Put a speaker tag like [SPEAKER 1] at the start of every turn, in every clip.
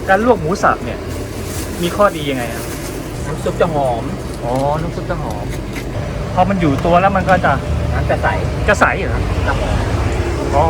[SPEAKER 1] การลวกหมูสับเนี่ยมีข้อดียังไงครับ
[SPEAKER 2] น้ำซุปจะหอม
[SPEAKER 1] อ๋อน้ำซุปจะหอมพอมันอยู่ตัวแล้วมันก็จะ
[SPEAKER 2] น้ำจะใส
[SPEAKER 1] เหรอ
[SPEAKER 2] จะหอม
[SPEAKER 1] อ๋อ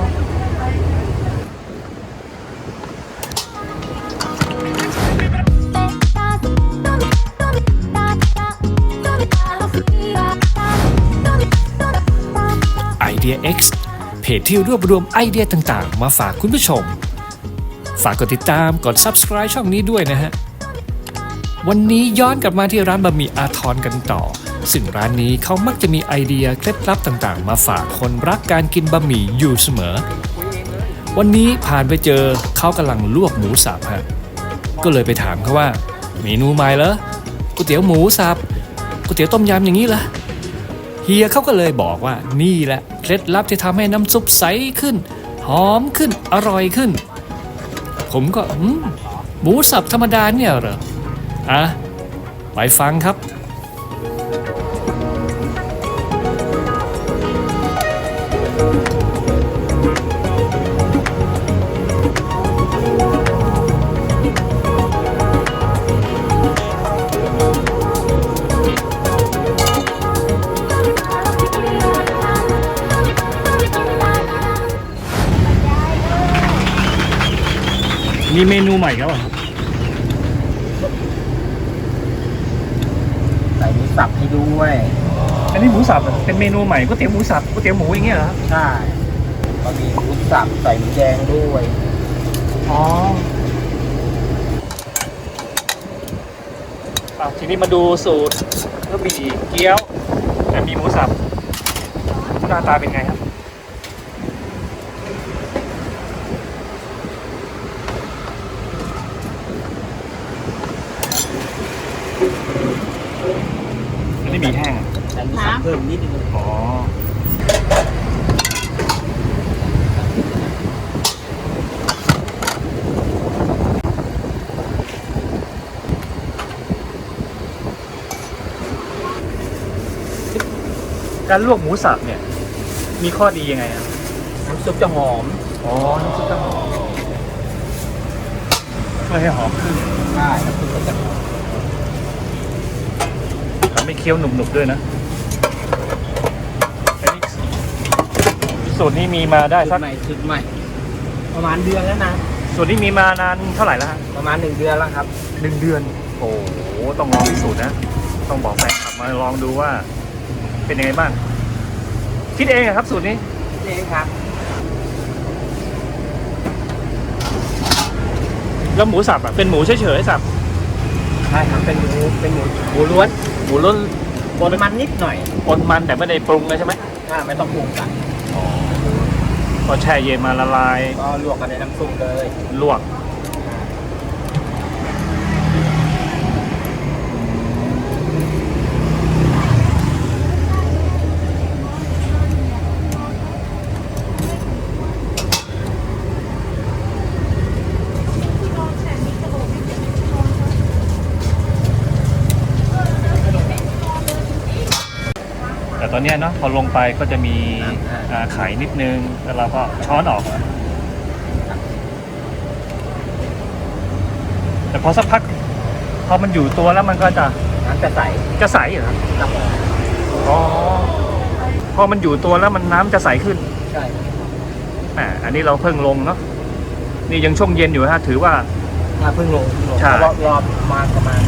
[SPEAKER 3] Idea X เพจที่รวบรวมไอเดียต่างๆมาฝากคุณผู้ชมฝากกดติดตามกด Subscribe ช่องนี้ด้วยนะฮะวันนี้ย้อนกลับมาที่ร้านบะหมี่อาทรกันต่อซึ่งร้านนี้เขามักจะมีไอเดียเคล็ดลับต่างๆมาฝากคนรักการกินบะหมี่อยู่เสมอวันนี้ผ่านไปเจอเขากำลังลวกหมูสับฮะก็เลยไปถามเขาว่าเมนูใหม่เหรอก๋วยเตี๋ยวหมูสับก๋วยเตี๋ยวต้มยำอย่างนี้เหรอเฮียเขาก็เลยบอกว่านี่แหละเคล็ดลับที่ทำให้น้ำซุปใสขึ้นหอมขึ้นอร่อยขึ้นผมก็หมูสับธรรมดาเนี่ยเหรอไปฟังครับ
[SPEAKER 1] มีเมนูใหม่แล้วเหรอครับ
[SPEAKER 2] ใส่หมูสับให้ด้วย
[SPEAKER 1] อันนี้หมูสับเป็นเมนูใหม่ก๋วยเตี๋ยวหมูสับก๋วยเตี๋ยวหมูอย่างเงี้ยเหรอ
[SPEAKER 2] ใช่ก็มีหมูสับใส่หมูแดงด้วย
[SPEAKER 1] อ๋อทีนี้มาดูสูตรก็มีเกี๊ยวแต่มีหมูสับหน้าตาเป็นไงครับอันนี้มีแห้ง
[SPEAKER 2] ใส่หมูสับเพิ่มนิดนึง
[SPEAKER 1] อ๋อการลวกหมูสับเนี่ยมีข้อดียังไงครับ
[SPEAKER 2] น้ำซุปจะหอม
[SPEAKER 1] อ๋อน้ำซุปจะหอมช่วยให้หอมขึ้น
[SPEAKER 2] ใช่น้ำซุปจะหอม
[SPEAKER 1] ทำให้เคี้ยวหนุบๆด้วยนะอันนี้สูตรนี้มีมาได้สัก
[SPEAKER 2] ชุดใหม่ประมาณเดือนแล้วนะ
[SPEAKER 1] สูตรนี้มีมานานเท่าไหร่แล้วฮะ
[SPEAKER 2] ประมาณ1 เดือนแล้วครับ
[SPEAKER 1] 1 เดือนโอ้โหต้องลองพิสูจน์นะต้องบอกแฟนคลับมาลองดูว่าเป็นยังไงบ้างคิดเองครับสูตรนี้
[SPEAKER 2] เองครับ
[SPEAKER 1] แล้วหมูสับเป็นหมูเฉยๆสับ
[SPEAKER 2] ใช่ครับเป็นหมูล้วนปนมันนิดหน่อย
[SPEAKER 1] ปนมันแต่ไม่ได้ปรุงเลยใช่ไหม
[SPEAKER 2] ไม่ต้องปรุงกัน
[SPEAKER 1] ก็แช่เย็นมาละลาย
[SPEAKER 2] ก็ลวกกันในน้ำซุปเลย
[SPEAKER 1] ลวกแต่ตอนนี้เนาะพอลงไปก็จะมีไข่นิดนึงแล้วเราก็ช้อนออกแต่พอสักพักพอมันอยู่ตัวแล้วมันก็จะ
[SPEAKER 2] น้ำจะใส
[SPEAKER 1] เหรออ๋อพอมันอยู่ตัวแล้วมันน้ำจะใสขึ้น
[SPEAKER 2] ใช่
[SPEAKER 1] อันนี้เราเพิ่งลงเนาะนี่ยังช่วงเย็นอยู่ฮะถือว่า
[SPEAKER 2] เพิ่งลง
[SPEAKER 1] ใช่
[SPEAKER 2] รอบมาประมาณ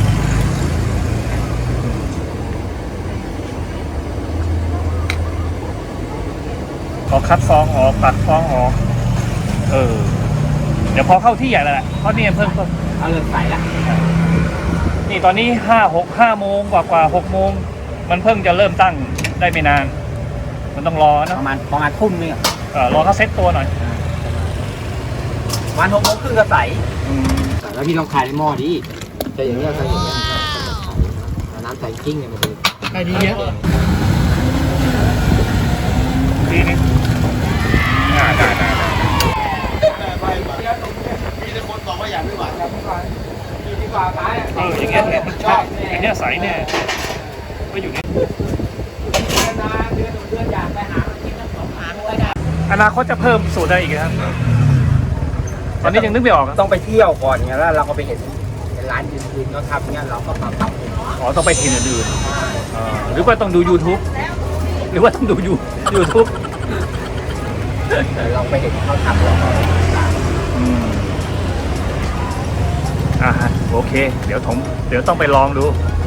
[SPEAKER 1] พอคัดฟองออกตัดฟองออกเดี๋ยวพอเข้าที่ใหญ่แล้วแหละเพราะนี่เพิ่ง
[SPEAKER 2] เริ่มใสแล้ว
[SPEAKER 1] นี่ตอนนี้5 โมงกว่า6 โมงมันเพิ่งจะเริ่มตั้งได้ไม่นานมันต้องรอนะ
[SPEAKER 2] ประมาณทุ่มนึง
[SPEAKER 1] รอเขาเซ็ตตัวหน่อย
[SPEAKER 2] ประมาณ6 โมงครึ่งก็ใสแล้วพี่ต้องคายในหม้อดิจะอย่างนี้ใส่อย่างนี้น้ำใส่กิ้งเนี่ยมัน
[SPEAKER 1] ใส่ดีเยอะทีนี้ได้
[SPEAKER 2] มีแต่คนบอกว่าอยากไม่หวานครับมีดีกว่าตาย
[SPEAKER 1] อย่างเงี้ยมันชอบอย่างเงี้ยใสเนี่ยก็อยู่นี่
[SPEAKER 2] เดือนอยากไปหากินน้ำตกหาด้วยนะ
[SPEAKER 1] อนาคตจะเพิ่มสูตรได้อีกครับตอนนี้ยังนึกไม่ออก
[SPEAKER 2] ต้องไปเที่ยวก่อนไงแล้วเราก็ไปเห็นร้านอื่นๆเขาทำเงี้ยเราก็ปรับปรุง
[SPEAKER 1] อ๋อต้องไปที่อื่นๆหรือว่าต้องดู YouTube หรือว่าต้องดู YouTube
[SPEAKER 2] เราไปเห็นเขาทำเราก็
[SPEAKER 1] อืมฮะโอเค เดี๋ยวต้องไปลองดู